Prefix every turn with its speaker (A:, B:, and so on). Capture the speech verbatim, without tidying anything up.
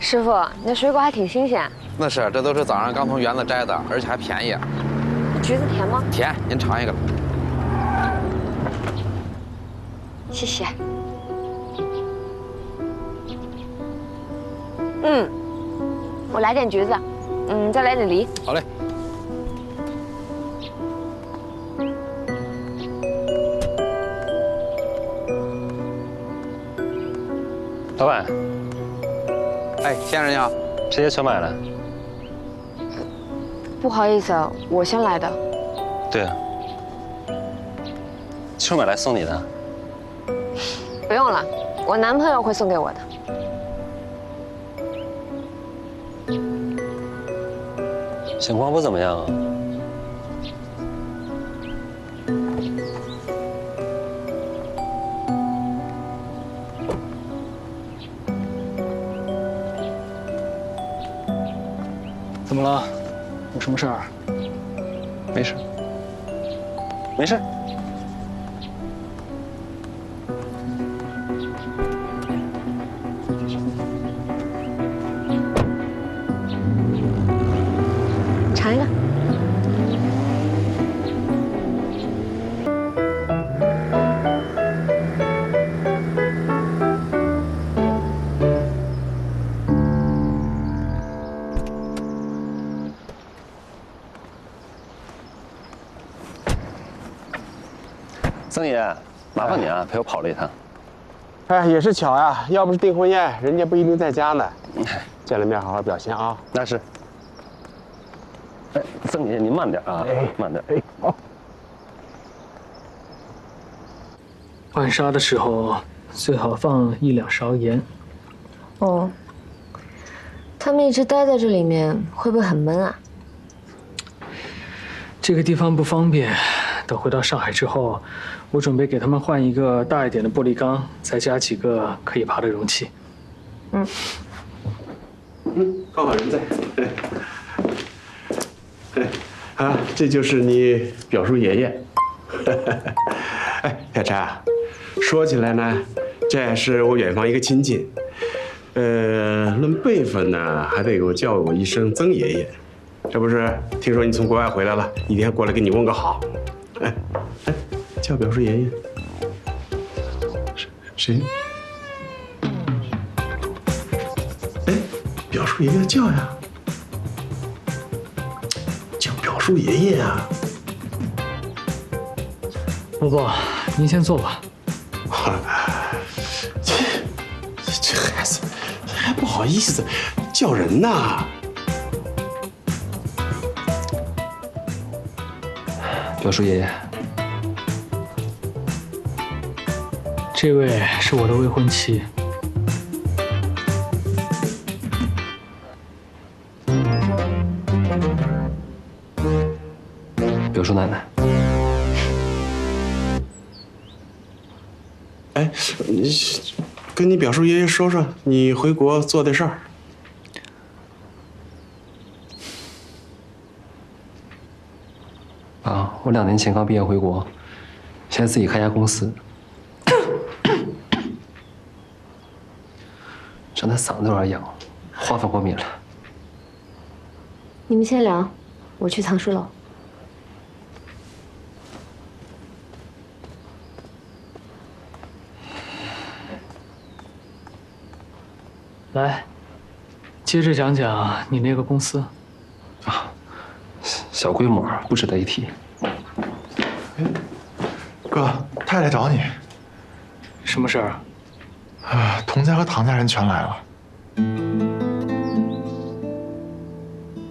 A: 师傅，那水果还挺新鲜。
B: 那是，这都是早上刚从园子摘的，而且还便宜。
A: 橘子甜吗？
B: 甜，您尝一个。
A: 谢谢。嗯，我来点橘子，嗯，再来点梨。
B: 好嘞。
C: 老板，
B: 哎，先生你好，
C: 这些全买了。
A: 不好意思，我先来的。
C: 对啊，就是买来送你的。
A: 不用了，我男朋友会送给我的。
C: 情况不怎么样啊。
D: 怎么了？有什么事儿？
C: 没事，没事。
A: 尝一个。
C: 曾爷，麻烦你啊，陪我跑了一趟。
E: 哎，也是巧呀，要不是订婚宴，人家不一定在家呢。见了面好好表现啊。
C: 那是。哎，曾爷，您慢点啊，
E: 哎、
C: 慢点。
E: 哎，好。
D: 浣纱的时候最好放一两勺盐。
A: 哦，他们一直待在这里面，会不会很闷啊？
D: 这个地方不方便，等回到上海之后，我准备给他们换一个大一点的玻璃缸，再加几个可以爬的容器。
A: 嗯。
E: 嗯，刚好人在。啊，这就是你表叔爷爷。哎，小柴，说起来呢，这也是我远方一个亲戚。呃，论辈分呢，还得给我叫我一声曾爷爷。这不是听说你从国外回来了，一天过来给你问个好。哎哎，叫表叔爷爷。谁？哎，表叔爷爷叫呀。叫表叔爷爷啊。
D: 伯伯，您先坐吧。
E: 这这孩子还不好意思叫人呐。
C: 表叔爷爷，
D: 这位是我的未婚妻。
C: 表叔奶奶。
E: 哎，你跟你表叔爷爷说说你回国做的事儿。
C: 啊，我两年前刚毕业回国，现在自己开家公司，整的嗓子有点痒，话费过敏了。
A: 你们先聊，我去藏书楼。
D: 来，接着讲讲你那个公司。
C: 啊，小规模，不值得一提。
F: 哥，太太找你。
D: 什么事儿？
F: 啊，童家和唐家人全来了。